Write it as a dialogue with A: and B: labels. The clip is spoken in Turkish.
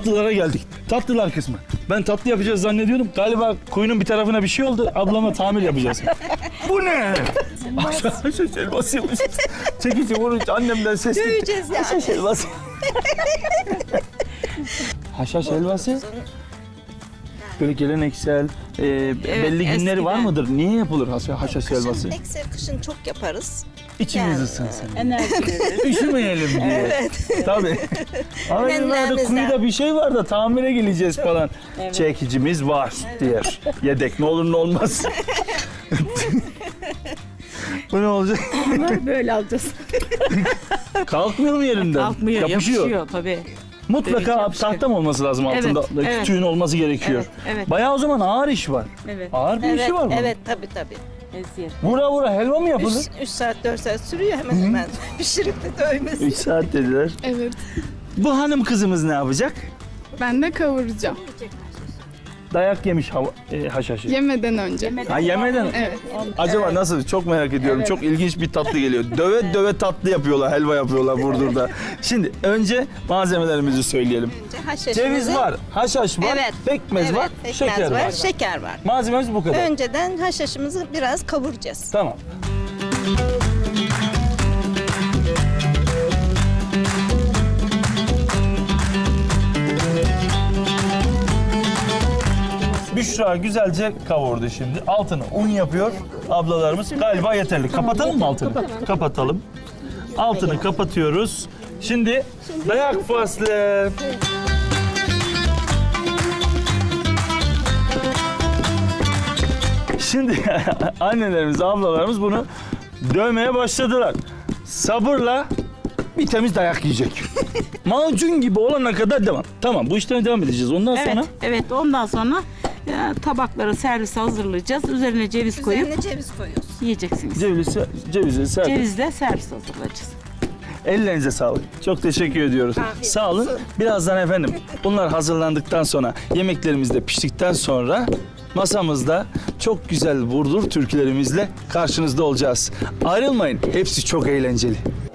A: tatlılara geldik. Tatlılar kısmı. Ben tatlı yapacağız zannediyorum. Galiba kuyunun bir tarafına bir şey oldu. Ablama tamir yapacağız. Bu ne? Haşhaş helvası yapacağız. Çekici vurunca annemden ses gitti.
B: Döveceğiz yani.
A: Haşhaş helvası. Haşhaş helvası. Böyle geleneksel, belli günleri var
C: eskiden.
A: mıdır? Niye yapılır haşhaş helvası?
B: Eksel kışın çok yaparız.
A: İçimiz
B: Yani,
A: ısınsın.
C: Enerji verir.
A: Üşümeyelim diye.
B: Evet.
A: Tabii. Ama
B: Nennemizden.
A: kuyuda bir şey var da tamire geleceğiz falan.
C: Evet.
A: Çekicimiz var diyor. Yedek ne olur ne olmaz. Bu ne olacak?
C: Böyle alacağız.
A: Kalkmıyor mu yerinden?
C: Kalkmıyor,
A: Yapışıyor.
C: yapışıyor tabii.
A: Mutlaka
C: Dövecek bir şey.
A: tahta mı olması lazım
C: Evet,
A: altında?
C: evet.
A: Kütüğün olması gerekiyor.
C: Evet, evet.
A: Bayağı o zaman ağır iş var.
C: Evet.
A: Ağır bir
B: Evet,
A: işi var bunun.
B: evet tabii tabii.
C: Eziyet.
A: Vura vura helva mı yapılır?
B: 3 saat 4 saat sürüyor hemen hemen. Pişirip de dövmesi.
A: 3 saat dediler.
D: Evet.
A: Bu hanım kızımız ne yapacak?
D: Ben de kavuracağım.
A: Dayak yemiş haşhaşı.
D: Yemeden önce.
A: Ha yemeden.
D: Evet.
A: Acaba nasıl? Çok merak ediyorum. Çok ilginç bir tatlı geliyor. Döve döve tatlı yapıyorlar, helva yapıyorlar Burdur'da. Şimdi önce malzemelerimizi söyleyelim.
B: Önce haşhaşımızı-
A: Ceviz var, haşhaş var,
B: Evet.
A: pekmez
B: Evet,
A: var,
B: pekmez
A: şeker var.
B: Şeker var.
A: Malzememiz bu kadar.
B: Önceden haşhaşımızı biraz kavuracağız.
A: Tamam. Büşra güzelce kavurdu şimdi. Altını un yapıyor ablalarımız. Galiba yeterli. Kapatalım mı altını? Kapatalım. Altını kapatıyoruz. Şimdi dayak faslı. Şimdi annelerimiz, ablalarımız bunu dövmeye başladılar. Sabırla bir temiz dayak yiyecek. Macun gibi olana kadar devam. Tamam, bu işleme devam edeceğiz. Ondan
C: Evet,
A: sonra
C: evet. Ondan sonra tabakları servise hazırlayacağız. Üzerine ceviz koyup
B: Üzerine ceviz koyuyoruz.
C: yiyeceksiniz.
A: cevizi serpin.
C: Cevizle servis hazırlayacağız.
A: Ellerinize sağlık. Çok teşekkür ediyoruz.
B: Afiyet
A: Sağ olun.
B: olsun.
A: Birazdan efendim bunlar hazırlandıktan sonra, yemeklerimiz de piştikten sonra masamızda çok güzel Burdur türkülerimizle karşınızda olacağız. Ayrılmayın. Hepsi çok eğlenceli.